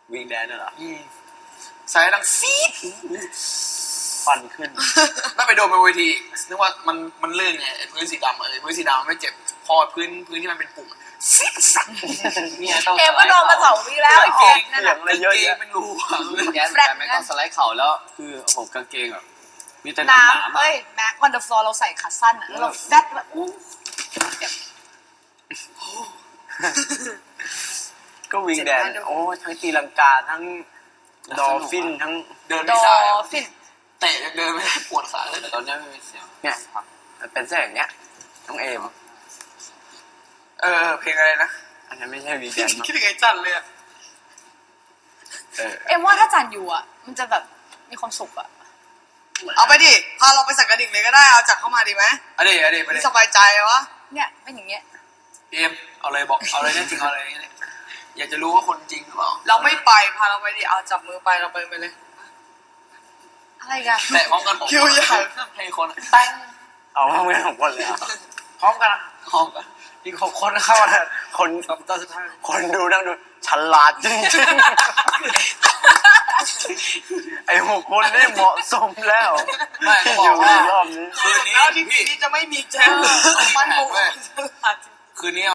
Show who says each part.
Speaker 1: วิงแดนน่ะเหรอ
Speaker 2: สายดังฟีด
Speaker 1: ฟันขึ้น
Speaker 2: แล้วไปโดนบนเวทีนึกว่ามันลื่นไงไอ้พื้นสีดำพื้นสีดำไม่เจ็บพอพื้นที่มันเป็นปุ่มฟีดสัก
Speaker 1: เนี่ยต้อง
Speaker 3: เอ็มก็โดนมา2 วีแล้วไอ้แฟนนั่น
Speaker 1: เสีย
Speaker 3: น่ะ
Speaker 1: งอะไรเยอะ
Speaker 2: เก
Speaker 1: แยะ
Speaker 2: งเป็นรู
Speaker 1: แกนแต่ไม่ต้องสไลด์เข่าแล้วคือผมกางเกงแบบมีแต่ห
Speaker 3: น้ำ
Speaker 1: นาม
Speaker 3: เฮ้ยแม็กวันเดอร์ฟลอร์เราใส่ขาสั้นอ่ะแล้วเราแดดแบบอู้
Speaker 1: ก็วิงแดนโอ้ทั้งตีลังกาทั้งดอลฟินทั้ง
Speaker 2: เดิน
Speaker 3: ด
Speaker 2: ไม่
Speaker 3: อ
Speaker 2: ได้
Speaker 3: ฟิน
Speaker 2: เตะยังเดินไม่ได้ปวดขาเลย
Speaker 1: แต่ตอนนี้ไม่มีเสียงเนี่ยมันเป็นเส้นอย่างเนี้ยน้องเอม
Speaker 2: เพลงอะไรนะ
Speaker 1: อันนั้นไม่ใช่วิงแดนมั้ง
Speaker 2: คิดถึงไอ้จันเลยอะ
Speaker 3: เอ็มว่าถ้าจันอยู่อ่ะมันจะแบบมีความสุขอ่ะ
Speaker 4: เอาไปดิพาเราไปสักกระดิ่งเลยก็ได้เอาจักเข้ามาดีไหม
Speaker 2: อะเดี๋ยวไป
Speaker 4: นี่
Speaker 2: เลย
Speaker 4: สบายใจวะ
Speaker 3: เนี่ยเป็นอย่างเงี้ย
Speaker 2: เอ็มเอาเลยบอกเอาเลยเนี่ยจริงเอาเลยเนี่ยอยากจะรู้ว่าคนจริงหรือเปล่า
Speaker 4: เราไม่ไปพาเราไปดิเอาจับมือไปเราไปเลย
Speaker 3: อะไรกัน
Speaker 2: แตะพร้อมกันผม
Speaker 4: คิวใหญ่
Speaker 2: ให้คนตั้ง
Speaker 1: เอาพร้อมกันของคนเลยอ่ะ
Speaker 2: พร้อมกันพร้อมกันอีก6 คนเข้านะ
Speaker 1: คน
Speaker 2: ตอนสุดท้าย
Speaker 1: คนดูนั่งดูฉลาดจริงๆไอ้6 คนนี่เหมาะสมแล้ว
Speaker 2: ไม่
Speaker 1: ที่
Speaker 2: บ
Speaker 1: อ
Speaker 2: อก
Speaker 1: ยู่
Speaker 2: ว่า
Speaker 1: ในรอบนี้
Speaker 2: คืนนี้
Speaker 4: แล้วที่ปี
Speaker 2: พี่
Speaker 4: นี้จะไม่มีแจ้งมันโมโห
Speaker 2: คืนนี้